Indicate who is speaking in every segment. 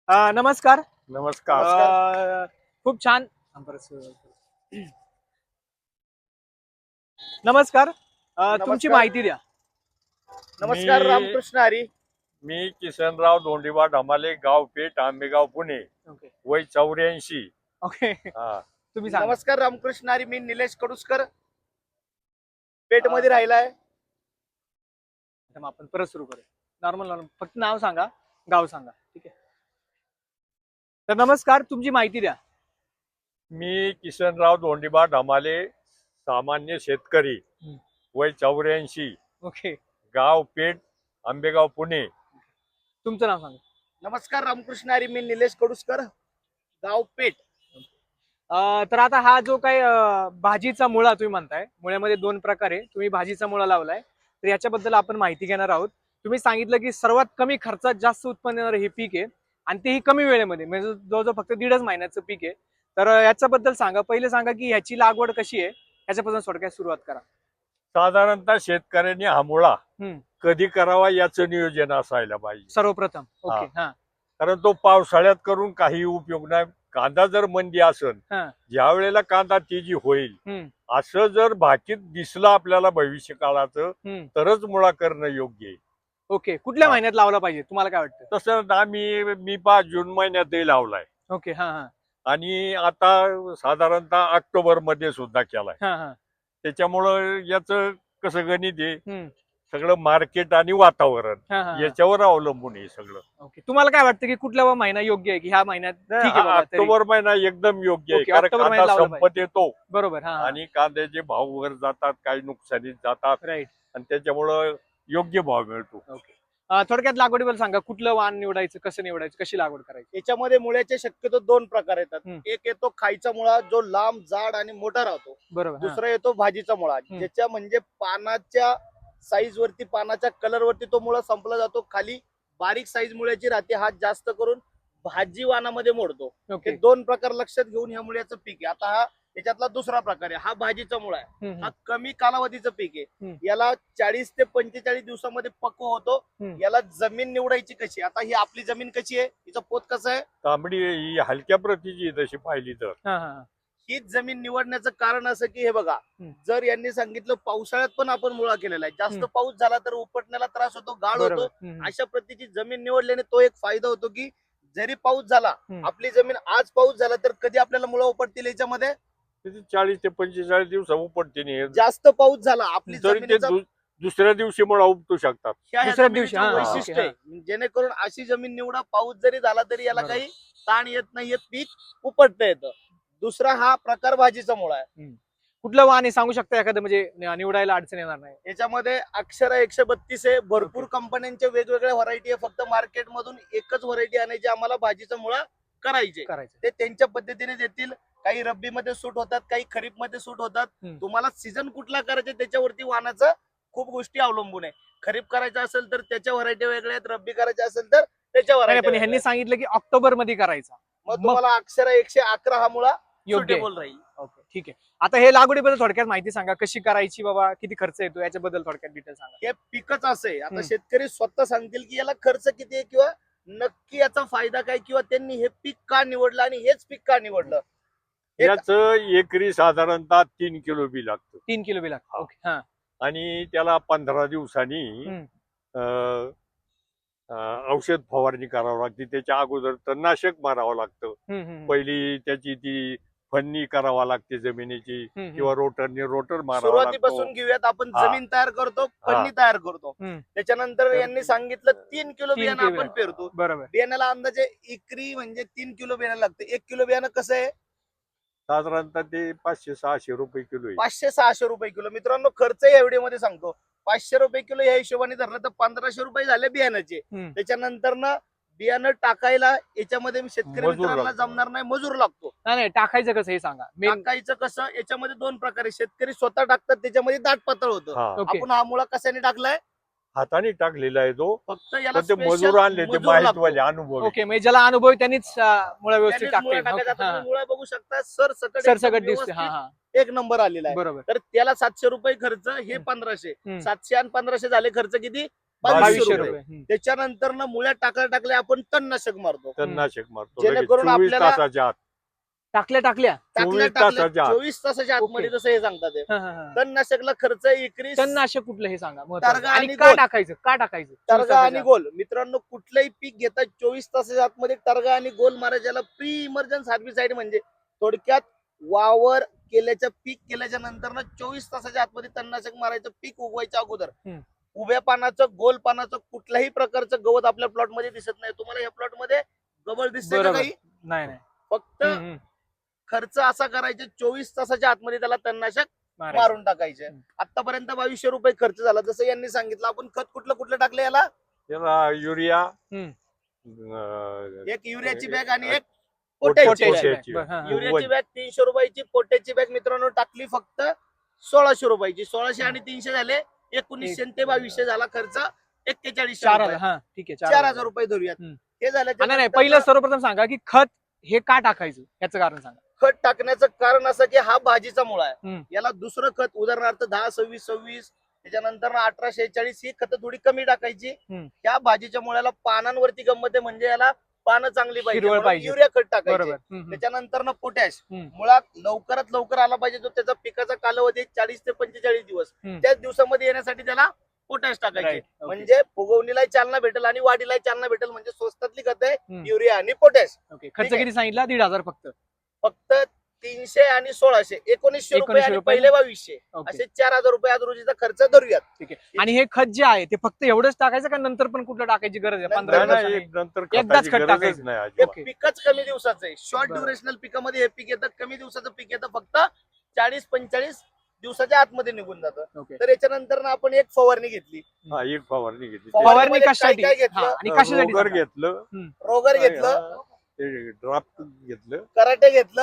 Speaker 1: नमस्कार.
Speaker 2: नमस्कार.
Speaker 1: खूप छान. नमस्कार. तुमची माहिती द्या.
Speaker 3: नमस्कार. रामकृष्ण हरी.
Speaker 2: मी किसनराव धोंडीबा ढमाले, गाव पेठ, आंबेगाव, पुणे.
Speaker 1: ओके
Speaker 2: वय 84.
Speaker 1: ओके तुम्ही सांगा.
Speaker 3: नमस्कार. रामकृष्ण हरी. मी निलेश कडुसकर, पेठ मध्ये राहिलाय.
Speaker 1: आता मग आपण परत सुरू करूया. नॉर्मल फक्त नाव सांगा, गाव सांगा. ठीक आहे. तर नमस्कार, तुमची माहिती द्या.
Speaker 2: मी किसनराव धोंडीबा ढमाले, सामान्य शेतकरी, वय 84,
Speaker 1: ओके.
Speaker 2: गाव पेठ, आंबेगाव, पुणे.
Speaker 1: तुमचं नाव सांगा.
Speaker 3: नमस्कार. रामकृष्ण हरी. मी निलेश कडुसकर, गाव पेठ.
Speaker 1: तर आता हा जो काही भाजीचा मुळा तुम्ही म्हणताय, मुळ्यामध्ये 2 प्रकार आहे. तुम्ही भाजीचा मुळा लावलाय, तर याच्याबद्दल आपण माहिती घेणार आहोत. तुम्ही सांगितलं की सर्वात कमी खर्चात जास्त उत्पन्न देणारं हे पीक आहे आणि तेही कमी वेळेमध्ये, म्हणजे जवळजवळ फक्त 1.5 महिन्याचं पीक आहे. तर याच्याबद्दल सांगा. पहिले सांगा की ह्याची लागवड कशी आहे, याच्यापासून थोडक्यात सुरुवात करा.
Speaker 2: साधारणतः शेतकऱ्यांनी हा मुळा
Speaker 1: हम्म.
Speaker 2: कधी करावा याचं नियोजन असायला पाहिजे.
Speaker 1: सर्वप्रथम ओके. हा
Speaker 2: कारण तो पावसाळ्यात करून काही उपयोग नाही. कांदा जर मंदी असेल,
Speaker 1: हा
Speaker 2: ज्या वेळेला कांदा तेजी होईल,
Speaker 1: हम्म.
Speaker 2: असं जर भाकीत दिसलं आपल्याला भविष्य काळाचं,
Speaker 1: हम्म.
Speaker 2: तरच मुळा करणं योग्य आहे.
Speaker 1: ओके. कुठल्या
Speaker 2: हा.
Speaker 1: महिन्यात लावला पाहिजे तुम्हाला काय वाटतं?
Speaker 2: तसं मी 5 जून महिन्यातही लावलाय
Speaker 1: ओके. हा हा
Speaker 2: आणि आता साधारणतः ऑक्टोबर मध्ये सुद्धा केलाय.
Speaker 1: हा हा
Speaker 2: त्याच्यामुळं याचं कसं गणित आहे,
Speaker 1: हम्म.
Speaker 2: सगळं मार्केट आणि वातावरण
Speaker 1: हा हा
Speaker 2: याच्यावर अवलंबून आहे सगळं.
Speaker 1: ओके. तुम्हाला काय वाटतं की कुठला महिना योग्य आहे की ह्या महिन्यात ठीक आहे
Speaker 2: हा
Speaker 1: बाबा तरी?
Speaker 2: ऑक्टोबर महिना एकदम योग्य आहे.
Speaker 1: ओके,
Speaker 2: कारण
Speaker 1: ऑक्टोबर
Speaker 2: कांदा
Speaker 1: महिन्यात लावला
Speaker 2: संपत येतो
Speaker 1: बरोबर. हा
Speaker 2: आणि कांद्याचे भाव वर जातात, काही नुकसानीत जातात
Speaker 1: राईट.
Speaker 2: आणि त्याच्यामुळं योग्य भाव मिळतो.
Speaker 1: ओके. थोडक्यात लागवडीबद्दल सांगा. कुठलं वाण निवडायचं, कसं निवडायचं, कशी लागवड करायची?
Speaker 3: याच्यामध्ये मुळ्याचे शक्यतो 2 प्रकार येतात.
Speaker 1: हम्म.
Speaker 3: एक येतो खायचा मुळा, जो लांब, जाड आणि मोठा राहतो.
Speaker 1: बरोबर. हा.
Speaker 3: दुसरा येतो भाजीचा मुळा, ज्याच्या म्हणजे पानाच्या साईज वरती, पानाच्या कलर वरती तो मुळा संपला जातो. खाली बारीक साईज मुळ्याची राहते. हा जास्त करून भाजी वाणामध्ये मोडतो.
Speaker 1: ओके.
Speaker 3: हे 2 प्रकार लक्षात घेऊन ह्या मुळ्याचं पीक आहे. आता हा याच्यातला दुसरा प्रकार आहे. हा भाजीचा मुळा आहे.
Speaker 1: हम्म.
Speaker 3: हा कमी कालावधीचं पीक आहे.
Speaker 1: हम्म.
Speaker 3: याला 40 ते 45 दिवसामध्ये पक्व होतो.
Speaker 1: हम्म.
Speaker 3: याला जमीन निवडायची कशी? आता ही आपली जमीन कशी आहे, हिचं पोत कसं आहे?
Speaker 2: तांबडी ही हलक्या प्रतीची आहे तशी पाहिली तर.
Speaker 1: हा हा
Speaker 3: हीच जमीन निवडण्याचं कारण असं की हे बघा, जर यांनी सांगितलं पावसाळ्यात पण आपण मुळा केलेला आहे, जास्त पाऊस झाला तर उपटण्याला त्रास होतो, गाळ
Speaker 1: बरोबर.
Speaker 3: होतो. अशा प्रतीची जमीन निवडल्याने तो एक फायदा होतो की जरी पाऊस झाला, आपली जमीन आज पाऊस झाला तर कधी आपल्याला मुळा उपटतील याच्यामध्ये?
Speaker 2: 40 ते 45 दिवस उपटते नाही.
Speaker 3: जास्त पाऊस झाला आपली
Speaker 2: तरी ते
Speaker 3: जमीन
Speaker 2: दुसऱ्या दिवशी मुळा उपटू शकतात.
Speaker 1: दुसऱ्या दिवशी, हा,
Speaker 3: वैशिष्ट्य
Speaker 1: ओके,
Speaker 3: आहे. जेणेकरून अशी जमीन निवडा, पाऊस जरी झाला तरी याला काही ताण येत नाही, पीक उपटता येतं. दुसरा हा प्रकार भाजीचा मुळा आहे.
Speaker 1: कुठलं वाण आहे सांगू शकता एखादं, म्हणजे निवडायला अडचण येणार नाही?
Speaker 3: याच्यामध्ये अक्षरा 132 आहे. भरपूर कंपन्यांच्या वेगवेगळ्या व्हरायटी आहे. फक्त मार्केट मधून एकच व्हरायटी आणायची, आम्हाला भाजीचा मुळा करायचे. ते त्यांच्या पद्धतीने देतील. काही रब्बी मध्ये सूट होतात, काही खरीप मध्ये सूट होतात. तुम्हाला सीझन कुठला करायचा त्याच्यावरती वाणाचं खूप गोष्टी अवलंबून आहे. खरीप करायचं असेल तर त्याच्या व्हरायटी वेगळ्या आहेत, रब्बी करायचं असेल तर त्याच्या
Speaker 1: पण
Speaker 3: व्हरायटी.
Speaker 1: ह्यांनी सांगितलं की ऑक्टोबर मध्ये करायचा,
Speaker 3: मग तुम्हाला अक्षरा 111 हा मुळा
Speaker 1: योग्य
Speaker 3: सुटेबल राहील.
Speaker 1: ओके, ठीक आहे. आता हे लागवडीबद्दल थोडक्यात माहिती सांगा. कशी करायची बाबा, किती खर्च येतो, याच्याबद्दल थोडक्यात डिटेल सांगा.
Speaker 3: हे पिकच असे, आता शेतकरी स्वतः सांगतील की याला खर्च किती आहे किंवा नक्की याचा फायदा काय, किंवा त्यांनी हे पीक का निवडलं आणि हेच पीक का निवडलं.
Speaker 2: याच एकरी साधारणतः 3 किलो बी लागतं.
Speaker 1: 3 किलो बी लागतं. ओके. हा.
Speaker 2: आणि त्याला 15 दिवसांनी औषध फवारणी करावं लागते. त्याच्या अगोदर तणनाशक मारावं लागतं. पहिली त्याची ती फन्नी करावा लागते जमिनीची, किंवा रोटरने रोटर मारावा लागतो.
Speaker 3: सुरुवातीपासून घेऊयात आपण. जमीन तयार करतो, फन्नी तयार करतो. त्याच्यानंतर यांनी सांगितलं 3 किलो बियाणं आपण पेरतो.
Speaker 1: बरोबर.
Speaker 3: बियाण्याला अंदाजे एकरी म्हणजे 3 किलो बियाणं लागतं. 1 किलो बियाणं कसं आहे?
Speaker 2: साधारणतः ते 500-600 रुपये किलो आहे.
Speaker 3: 500-600 रुपये किलो. मित्रांनो, खर्च या व्हिडिओ मध्ये सांगतो. 500 रुपये किलो या हिशोबाने धरलं तर 1500 रुपये झाले बियाण्याचे. त्याच्यानंतर ना बियाणं टाकायला याच्यामध्ये शेतकरी मित्रांना जमणार नाही, मजूर लागतो.
Speaker 1: नाही, टाकायचं कसं हे सांगा.
Speaker 3: टाकायचं कसं? याच्यामध्ये 2 प्रकारे शेतकरी स्वतः टाकतात, त्याच्यामध्ये दाट पातळ होतं. आपण हा मुळा कशाने टाकलाय?
Speaker 2: हाताने टाकलेला आहे तो.
Speaker 3: फक्त याला
Speaker 2: ते मजूर आणले, ते माहितवाले अनुभव.
Speaker 1: ओके, म्हणजे ज्याला अनुभव त्यांनीच मुळा व्यवस्थित
Speaker 3: टाकायचा. मुळा बघू शकता
Speaker 1: सरसकट दिसते.
Speaker 3: एक नंबर आलेला आहे.
Speaker 1: बरोबर.
Speaker 3: तर त्याला 700 रुपये खर्च, हे 1500. 700 आणि 1500 झाले खर्च किती? 2200
Speaker 1: 2200
Speaker 3: रुपये.
Speaker 1: रुपये
Speaker 3: त्याच्यानंतर ना मुळ्या टाकल्या आपण तणनाशक मारतो.
Speaker 2: तणनाशक मारतो
Speaker 3: जेणेकरून
Speaker 2: 24
Speaker 3: आपल्याला-
Speaker 2: तासाच्या आत.
Speaker 1: टाकल्या
Speaker 2: 24 तासाच्या आत.
Speaker 3: 24 तासाच्या आतमध्ये
Speaker 1: ओके.
Speaker 3: जसं हे सांगतात हे. तणनाशकला खर्च एकरी
Speaker 1: तणनाशक कुठलं हे सांगा महत्त्वाचं.
Speaker 3: तरगा
Speaker 1: आणि
Speaker 3: आणि
Speaker 1: का
Speaker 3: गोल.
Speaker 1: टाकायचं का टाकायचं
Speaker 3: तरगा आणि गोल. मित्रांनो, कुठलंही पीक घेता 24 तासाच्या आतमध्ये तरगा आणि गोल मारायच्याला प्री इमर्जन्स हार्बिसाइड म्हणजे थोडक्यात वावर पीक केल्याच्या नंतर ना 24 तासाच्या आतमध्ये तणनाशक मारायचं. पीक उगवायच्या अगोदर उभ्या पानाचं गोल पानाचं कुठल्याही प्रकारचं गवत आपल्या प्लॉट मध्ये दिसत नाही. तुम्हाला या प्लॉट मध्ये गवत दिसते का
Speaker 1: बरोबर.
Speaker 3: काही?
Speaker 1: नाही
Speaker 3: फक्त खर्च असा करायचा 24 तासाच्या आतमध्ये त्याला तणनाशक मारून टाकायचे. आतापर्यंत 2200 रुपये खर्च झाला. जसं यांनी सांगितलं, आपण खत कुठलं टाकलं याला?
Speaker 2: त्याला युरिया,
Speaker 3: एक युरियाची बॅग आणि एक
Speaker 2: पोटॅशची
Speaker 3: पोटॅशची बॅग.
Speaker 2: बॅग.
Speaker 3: युरियाची बॅग 300 रुपयाची, पोटॅशची बॅग मित्रांनो टाकली फक्त 1600 रुपयाची. 1600 आणि 300 झाले 1900 ते 2200 झाला खर्च 4100
Speaker 1: ठीक आहे
Speaker 3: 4000 रुपये धरूयात. हे झालं.
Speaker 1: नाही पहिलं सर्वप्रथम सांगा की खत हे का टाकायचं याचं कारण सांगा.
Speaker 3: खत टाकण्याचं कारण असं की हा भाजीचा मुळा आहे. याला दुसरं खत उदाहरणार्थ 10-26-26 त्याच्यानंतर 18-46 ही खतं थोडी कमी टाकायची. या भाजीच्या मुळ्याला पानांवरती गंमत आहे, म्हणजे याला पानं चांगली पाहिजे, युरिया खत टाकायचे. त्याच्यानंतर ना पोटॅश. मुळात लवकरात लवकर आला पाहिजे. जो त्याचा पिकाचा कालावधी 40 ते 45 दिवस, त्याच दिवसामध्ये येण्यासाठी त्याला पोटॅश टाकायचे. म्हणजे फुगवणीला चालना भेटेल आणि वाढीला चालना भेटेल. म्हणजे स्वस्तातली खत आहे युरिया आणि पोटॅश.
Speaker 1: खर्च किती सांगितला? 1500
Speaker 3: फक्त 300 आणि 1600 1900 रुपये आणि पहिले 2200 असे 4000 रुपये आज रोजीचा खर्च धरूयात.
Speaker 1: ठीक आहे. आणि हे खत जे आहे ते फक्त एवढंच टाकायचं का नंतर पण कुठलं टाकायची गरज आहे? 15
Speaker 2: नंतर
Speaker 1: एकदाच खत
Speaker 2: खताची गरजच
Speaker 1: टाकायचं.
Speaker 2: नाही
Speaker 3: हे
Speaker 2: अजिबात.
Speaker 3: पिकच कमी दिवसाचं आहे. शॉर्ट
Speaker 1: बरं.
Speaker 3: ड्युरेशनल पिकामध्ये हे पीक येतं. कमी दिवसाचं पीक येतं फक्त 40-45 दिवसाच्या आतमध्ये निघून जातं. तर याच्यानंतर आपण एक फवारणी घेतली.
Speaker 2: एक फवारणी घेतली.
Speaker 1: फवारणी कशासाठी?
Speaker 3: काय घेतलं?
Speaker 1: आणि कशासाठी
Speaker 2: रोगर
Speaker 1: सांगा?
Speaker 2: घेतलं,
Speaker 3: रोगर घेतलं,
Speaker 2: ड्राफ्ट घेतलं,
Speaker 3: कराटे घेतलं,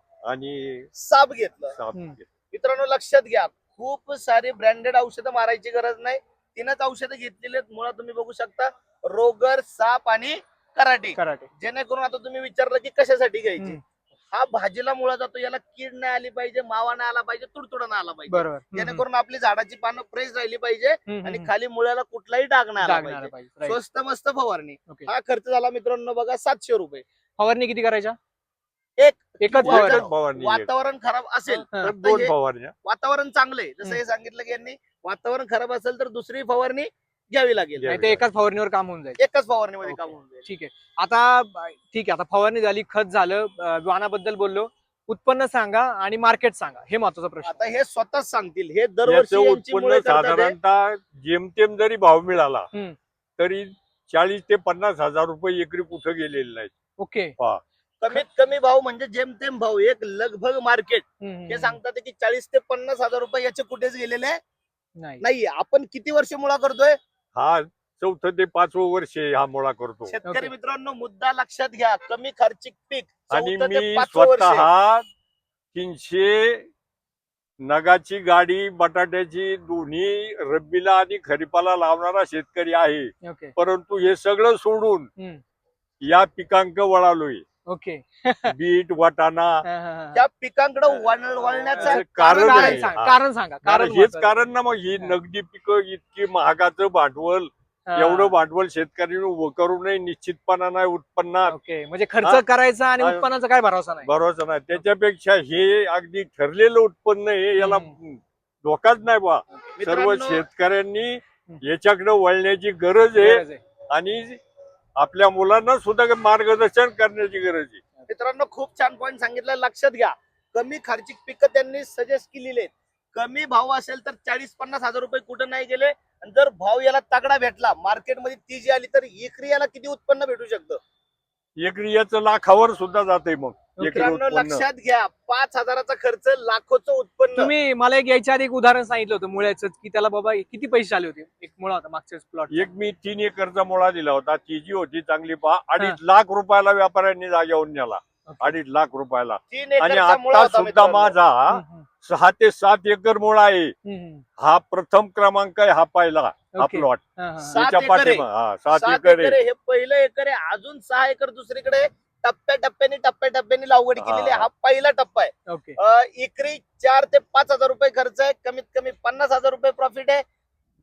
Speaker 2: आणि
Speaker 3: साप घेतलं.
Speaker 2: साप घेतलं.
Speaker 3: मित्रांनो लक्षात घ्या, खूप सारी ब्रँडेड औषधं मारायची गरज नाही. 3च औषधं घेतलेली आहेत. मुळात तुम्ही बघू शकता, रोगर, साप आणि कराटे. जेणेकरून आता तुम्ही विचारलं की कशासाठी घ्यायची. हा भाजीला मुळा जातो, याला कीड नाही आली पाहिजे, मावा नाही आला पाहिजे, तुडतुडा नाही आला पाहिजे. जेणेकरून आपली झाडाची पानं फ्रेश राहिली पाहिजे आणि खाली मुळ्याला कुठलाही डाग नाही आला पाहिजे. स्वस्त मस्त फवारणी. हा खर्च झाला मित्रांनो बघा 700 रुपये.
Speaker 1: फवारणी किती करायच्या?
Speaker 3: एकच
Speaker 2: फवारणी.
Speaker 3: वातावरण खराब असेल
Speaker 2: तर 2 फवारण्या.
Speaker 3: वातावरण चांगले जसं हे सांगितलं की यांनी, वातावरण खराब असेल तर दुसरी फवारणी घ्यावी लागेल.
Speaker 1: नाही ते एकाच फवारणीवर काम होऊन जाईल.
Speaker 3: एकच फवारणीमध्ये काम होऊन जाईल.
Speaker 1: ठीक आहे. आता फवारणी झाली, खत झालं, वाणाबद्दल बोललो, उत्पन्न सांगा आणि मार्केट सांगा. हे महत्वाचा प्रश्न.
Speaker 3: आता हे स्वतःच सांगतील. हे दरवर्षी यांची
Speaker 2: उत्पन्न
Speaker 3: मुळे करतात हे.
Speaker 2: साधारणतः जेमतेम जरी भाव मिळाला तरी 40 ते 50 हजार रुपये एकरी कुठं गेलेले नाही.
Speaker 1: ओके.
Speaker 3: कमीत कमी भाव म्हणजे जेमतेम भाव. एक लगभग मार्केट हे सांगतात की 40 ते 50 हजार रुपये याचे कुठेच गेलेले नाही. आपण किती वर्ष मुळा करतोय?
Speaker 2: हा 4th ते 5वं वर्ष हा मुळा करतो.
Speaker 3: शेतकरी मित्रांनो मुद्दा लक्षात घ्या, कमी खर्चिक पीक
Speaker 2: आणि
Speaker 3: 4th ते
Speaker 2: मी
Speaker 3: 5वं वर्ष.
Speaker 2: स्वतः 300 नगाची गाडी बटाट्याची दोन्ही रब्बीला आणि खरीपाला लावणारा शेतकरी आहे. परंतु हे सगळं सोडून या पिकांक वळालोय.
Speaker 1: ओके.
Speaker 2: बीट, वाटाणा
Speaker 3: त्या पिकांकडे वळण्याचं
Speaker 1: कारण सांगा.
Speaker 2: कारण हेच कारण ना. मग ही नगदी पिकं इतकी महागाचं भांडवल, एवढं भांडवल शेतकऱ्यांनी उभं करू नये. निश्चितपणा नाही उत्पन्नात.
Speaker 1: ओके. म्हणजे खर्च करायचा आणि उत्पन्नाचा काय भरोसा नाही.
Speaker 2: भरोसा नाही. त्याच्यापेक्षा हे अगदी ठरलेलं उत्पन्न आहे, याला धोकाच नाही बा. सर्व शेतकऱ्यांनी याच्याकडे वळण्याची गरज आहे आणि आपल्या मुलांना सुद्धा मार्गदर्शन करण्याची गरज आहे.
Speaker 3: मित्रांनो खूप छान पॉईंट सांगितलं. लक्षात घ्या, कमी खर्चिक पिकं त्यांनी सजेस्ट केलेले आहेत. कमी भाव असेल तर 40-50 हजार रुपये कुठं नाही गेले. आणि जर भाव याला तगडा भेटला, मार्केटमध्ये ती जी आली, तर एकरी याला किती उत्पन्न भेटू शकतं?
Speaker 2: एकरी याचं लाखावर सुद्धा जाते. मग
Speaker 3: मित्रांनो लक्षात घ्या, 5,000चा खर्च, लाखोचं उत्पन्न.
Speaker 1: तुम्ही मला याच्या आधी एक उदाहरण सांगितलं होतं मुळ्याचं, की त्याला बाबा किती पैसे आले होते. एक मुळा होता मागच्या प्लॉट.
Speaker 2: मी 3 एकरचा मुळा दिला होता. ती जी होती चांगली 2.5 लाख रुपयाला व्यापाऱ्यांनी जागेवरून नेला. 2.5 लाख रुपयाला.
Speaker 3: 3
Speaker 2: आणि
Speaker 3: एकरचा मुळा
Speaker 2: आता
Speaker 3: होता
Speaker 2: सुद्धा
Speaker 3: मित्रांनो.
Speaker 2: माझा 6 ते 7 एकर मुळा आहे. हा प्रथम क्रमांक आहे. हा पहिला हा प्लॉट.
Speaker 3: 7 एकर आहे.
Speaker 2: 7 एकर आहे.
Speaker 3: हे पहिलं एकर आहे. अजून 6 एकर दुसरीकडे टप्प्याटप्प्याने लागवड केलेली आहे. हा पहिला टप्पा आहे. एकरी 4 ते 5 हजार रुपये खर्च आहे. कमीत कमी 50 हजार रुपये प्रॉफिट आहे.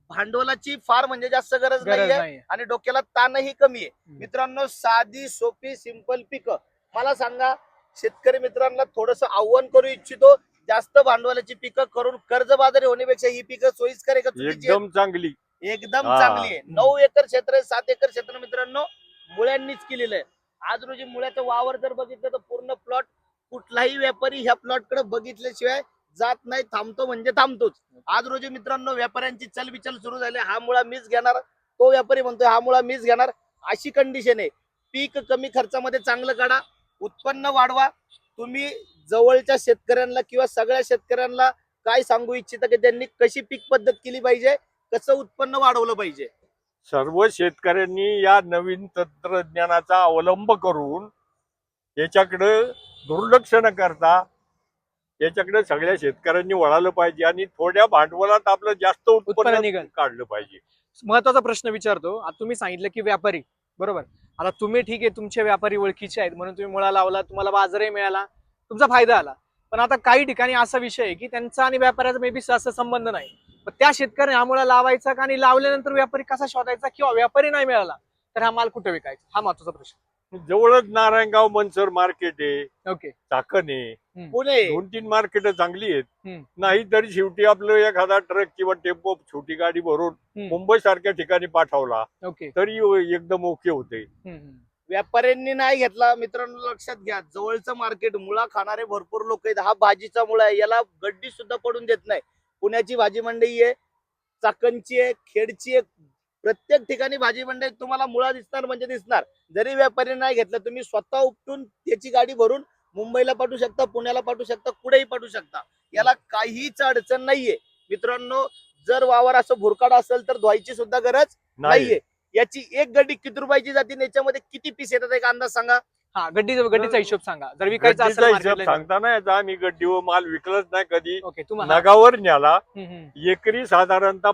Speaker 3: भांडवलाची फार म्हणजे जास्त गरज
Speaker 1: गरज
Speaker 3: नाहीये
Speaker 1: नाही.
Speaker 3: आणि डोक्याला ताणही कमी आहे. मित्रांनो, साधी सोपी सिंपल पिकं. मला सांगा, शेतकरी मित्रांना थोडस आव्हान करू इच्छितो, जास्त भांडवलाची पिकं करून कर्जबाजारी होण्यापेक्षा ही पिकं सोयीस्कर आहे का चुकीची आहेत?
Speaker 2: एकदम चांगली.
Speaker 3: एकदम
Speaker 2: हा.
Speaker 3: चांगली आहे. 9 एकर क्षेत्र आहे, 7 एकर क्षेत्र मित्रांनो मुळ्यांनीच केलेलं आहे. आज रोजी मुळ्याचं वावर जर बघितलं तर पूर्ण प्लॉट, कुठलाही व्यापारी ह्या प्लॉट कडे बघितल्याशिवाय जात नाही, थांबतो म्हणजे थांबतोच. आज रोजी मित्रांनो व्यापाऱ्यांची चलबिचल सुरू झाली, हा मुळा मीच घेणार, तो व्यापारी म्हणतोय हा मुळा मीच घेणार, अशी कंडिशन आहे. पीक कमी खर्चामध्ये चांगलं काढा, उत्पन्न वाढवा. तुम्ही जवळच्या शेतकऱ्यांना किंवा सगळ्या शेतकऱ्यांना काय सांगू इच्छिता की त्यांनी कशी पीक पद्धत केली पाहिजे, कसं उत्पन्न वाढवलं पाहिजे?
Speaker 2: सर्व शेतकऱ्यांनी या नवीन तंत्रज्ञानाचा अवलंब करून याच्याकडे दुर्लक्ष न करता याच्याकडे सगळ्या शेतकऱ्यांनी वळालं पाहिजे आणि थोड्या भांडवलात आपलं जास्त
Speaker 1: उत्पन्न
Speaker 2: उत्पन्न
Speaker 1: निघेल.
Speaker 2: काढलं पाहिजे.
Speaker 1: महत्वाचा प्रश्न विचारतो. आता तुम्ही सांगितलं की व्यापारी, बरोबर. आता तुम्ही ठीक आहे, तुमचे व्यापारी ओळखीचे आहेत म्हणून तुम्ही मुळा लावला, तुम्हाला बाजारही मिळाला, तुमचा फायदा आला. पण आता काही ठिकाणी असा विषय आहे की त्यांचा आणि व्यापाऱ्याचा मे बी असा संबंध नाही. पण त्या शेतकऱ्याने हा मुळा लावायचा का आणि लावल्यानंतर व्यापारी कसा शोधायचा, किंवा व्यापारी नाही मिळाला तर हा माल कुठे विकायचा, हा महत्वाचा प्रश्न.
Speaker 2: जवळच नारायणगाव मनसर मार्केट आहे,
Speaker 1: ओके.
Speaker 2: चाकण आहे,
Speaker 3: पुणे
Speaker 2: 2-3 मार्केट चांगली आहेत.
Speaker 1: हम्म.
Speaker 2: नाही तरी शेवटी आपलं एखादा ट्रक किंवा टेम्पो छोटी गाडी भरून मुंबई सारख्या ठिकाणी पाठवला
Speaker 1: ओके.
Speaker 2: तरी एकदम ओके होते.
Speaker 3: व्यापाऱ्यांनी नाही घेतला मित्रांनो, लक्षात घ्या, जवळचं मार्केट, मुळा खाणारे भरपूर लोक आहेत. हा भाजीचा मुळा आहे, याला गड्डी सुद्धा पडून देत नाही. पुण्याची भाजी मंडई आहे, चाकणची आहे, खेडची आहे, प्रत्येक ठिकाणी भाजी मंडई तुम्हाला मुळा दिसणार म्हणजे दिसणार. जरी व्यापारी नाही घेतला, तुम्ही स्वतः उपटून त्याची गाडी भरून मुंबईला पाठवू शकता, पुण्याला पाठवू शकता, कुठेही पाठवू शकता. याला काहीच अडचण नाहीये मित्रांनो. जर वावर असं भुरकाड असेल तर धुवायची सुद्धा गरज नाहीये. याची एक गड्डी किती रुपयाची जाते, याच्यामध्ये किती पीस येतात एक अंदाज सांगा.
Speaker 1: हा, गड्डीचा हिशोब सांगा. जर विकायचा असेल
Speaker 2: गड्डीचा हिशोब
Speaker 1: मार्केटला.
Speaker 2: सांगता नाही येत. आम्ही गड्डीवर माल विकलच नाही कधी.
Speaker 1: ओके. तुम्हाला
Speaker 2: नगावर न्याला एकरी साधारणतः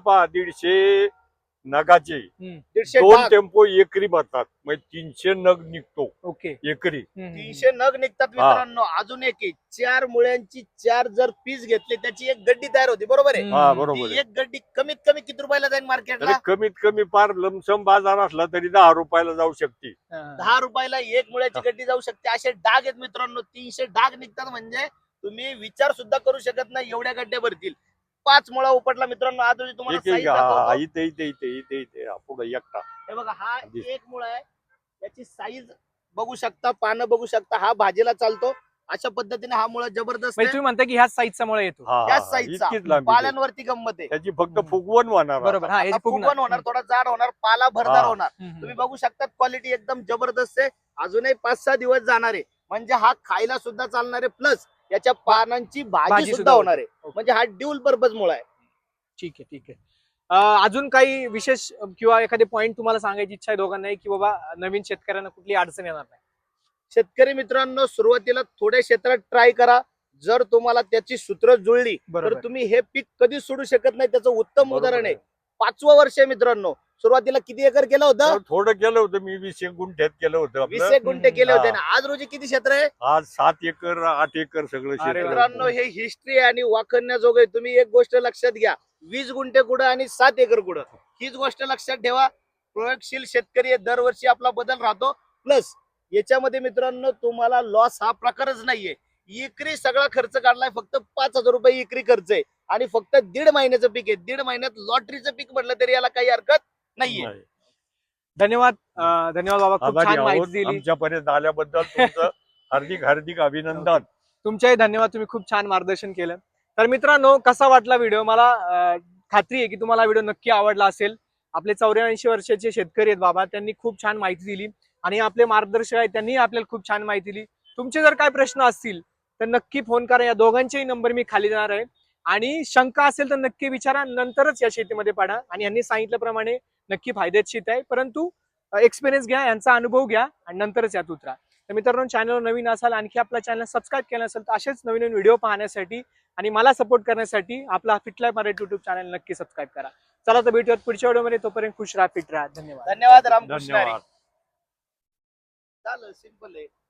Speaker 2: 150 नगाचे
Speaker 3: 150
Speaker 2: 2
Speaker 3: डाग,
Speaker 2: टेम्पो एकरी भरतात, म्हणजे 300 नग निघतो
Speaker 3: ओके,
Speaker 2: एकरी.
Speaker 3: 300 नग निघतात मित्रांनो. अजून एक 4 मुळ्यांची 4 जर पीस घेतले त्याची एक गड्डी तयार होती, बरोबर आहे.
Speaker 2: हा बरोबर
Speaker 3: ती
Speaker 2: आहे.
Speaker 3: एक गड्डी कमीत कमी किती रुपयाला जाईल मार्केटला?
Speaker 2: अरे कमीत कमी पार लमसम बाजार असला तरी 10 रुपयाला जाऊ शकते.
Speaker 3: 10 रुपयाला एक मुळ्याची गड्डी जाऊ शकते. असे डाग आहेत मित्रांनो, 300 डाग निघतात म्हणजे तुम्ही विचार सुद्धा करू शकत नाही एवढ्या गड्ड्या भरतील. 5 मुळा उपटला मित्रांनो. आज रोजी तुम्हाला size दाखवतो.
Speaker 2: इथे इथे इथे इथे इथे पुढे एकटा.
Speaker 3: हे बघा, हा एक मुळा आहे, याची साईज बघू शकता, पानं बघू शकता. हा भाजीला चालतो. अशा पद्धतीने हा मुळा जबरदस्त
Speaker 1: म्हणजे
Speaker 3: आहे.
Speaker 1: तुम्ही म्हणता की ह्याच साईजचा मुळे येतो.
Speaker 3: त्याच साईजचा
Speaker 2: इतकीच लांबी आहे.
Speaker 3: पाल्यांवरती गंमत आहे.
Speaker 2: त्याची फक्त फुगवण होणार.
Speaker 1: बरोबर. हा, याची
Speaker 3: आता फुगवण
Speaker 1: फुगणार.
Speaker 3: होणार, थोडा जाड होणार, पाला भरदार
Speaker 2: हा.
Speaker 3: होणार. तुम्ही बघू शकता क्वालिटी एकदम जबरदस्त आहे. अजूनही 5-6 दिवस जाणार आहे, म्हणजे हा खायला सुद्धा चालणार आहे, प्लस याच्या पानांची भाजी सुद्धा होणार आहे. म्हणजे हा ड्युल पर्पज मुळा आहे.
Speaker 1: ठीक आहे, ठीक आहे. अजून काही विशेष किंवा एखादे पॉइंट तुम्हाला सांगायची इच्छा आहे दोघांनाही, की बाबा नवीन शेतकऱ्यांना कुठली अडचण येणार नाही? शेतकरी
Speaker 3: मित्रांनो, सुरुवातीला थोड्या क्षेत्रात ट्राय करा. जर तुम्हाला त्याची सूत्र जुळली तर
Speaker 1: बरोबर.
Speaker 3: तुम्ही हे पीक कधीच सोडू शकत नाही. त्याचं उत्तम
Speaker 2: बरोबर
Speaker 3: उदाहरण आहे.
Speaker 2: आहे.
Speaker 3: 5वं वर्ष आहे मित्रांनो. सुरुवातीला किती एकर केलं होतं?
Speaker 2: थोडं केलं होतं मी, 20 गुंठ्यात केलं होतं
Speaker 3: 20
Speaker 2: आपलं.
Speaker 3: गुंठे केले होते
Speaker 2: हा.
Speaker 3: ना. आज रोजी किती क्षेत्र आहे
Speaker 2: आज 7 एकर 8 एकर सगळं
Speaker 1: अरे
Speaker 2: शेत.
Speaker 1: वा.
Speaker 3: मित्रांनो? हे हिस्ट्री आहे आणि वाखण्याजोग आहे. तुम्ही एक गोष्ट लक्षात घ्या, 20 गुंठे कुठं आणि 7 एकर कुठं, हीच गोष्ट लक्षात ठेवा. प्रयोगशील शेतकरी आहे, दरवर्षी आपला बदल राहतो. प्लस याच्यामध्ये मित्रांनो तुम्हाला लॉस हा प्रकारच नाहीये. एकरी सगळा खर्च काढलाय, फक्त 5,000 रुपये एकरी खर्च आहे आणि फक्त 1.5 महिन्याचं पीक आहे. 1.5 महिन्यात लॉटरीचं पीक म्हटलं तरी याला काही हरकत नाहीये.
Speaker 2: नाही.
Speaker 1: धन्यवाद. धन्यवाद बाबा, खूप
Speaker 2: आभारी
Speaker 1: छान
Speaker 2: आहोत.
Speaker 1: माहिती दिली.
Speaker 2: आमच्यापर्यंत आल्याबद्दल तुमचं हार्दिक हार्दिक अभिनंदन.
Speaker 1: तुमच्याही धन्यवाद, तुम्ही खूप छान मार्गदर्शन केलं. तर मित्रांनो, कसा वाटला व्हिडिओ? मला खात्री आहे की तुम्हाला व्हिडिओ नक्की आवडला असेल. आपले 84 वर्षाचे शेतकरी आहेत बाबा, त्यांनी खूप छान माहिती दिली आणि आपले मार्गदर्शक आहेत त्यांनी आपल्याला खूप छान माहिती दिली. तुमचे जर काय प्रश्न असतील तर नक्की फोन करा. या दोघांचेही नंबर मी खाली देणार आहे आणि शंका असेल तर नक्की विचारा, नंतरच या शेतीमध्ये पडा. आणि यांनी सांगितल्याप्रमाणे नक्की फायद्याची शेती आहे, परंतु एक्सपिरियन्स घ्या, यांचा अनुभव घ्या आणि नंतरच यात उतरा. तर मित्रांनो, चॅनलवर नवीन असाल, आणखी आपला चॅनल सबस्क्राईब केला असेल तर असेच नवीन नवीन व्हिडिओ पाहण्यासाठी आणि मला सपोर्ट करण्यासाठी आपला फिटलाईफ मराठी युट्यूब चॅनल नक्की सबस्क्राईब करा. चला तर भेटूयात पुढच्या व्हिडिओमध्ये. तोपर्यंत खुश राहा, फिट राहा. धन्यवाद.
Speaker 3: धन्यवाद. रामकृष्ण हरी.
Speaker 2: धन्यवाद.
Speaker 3: चालेल, सिंपल आहे.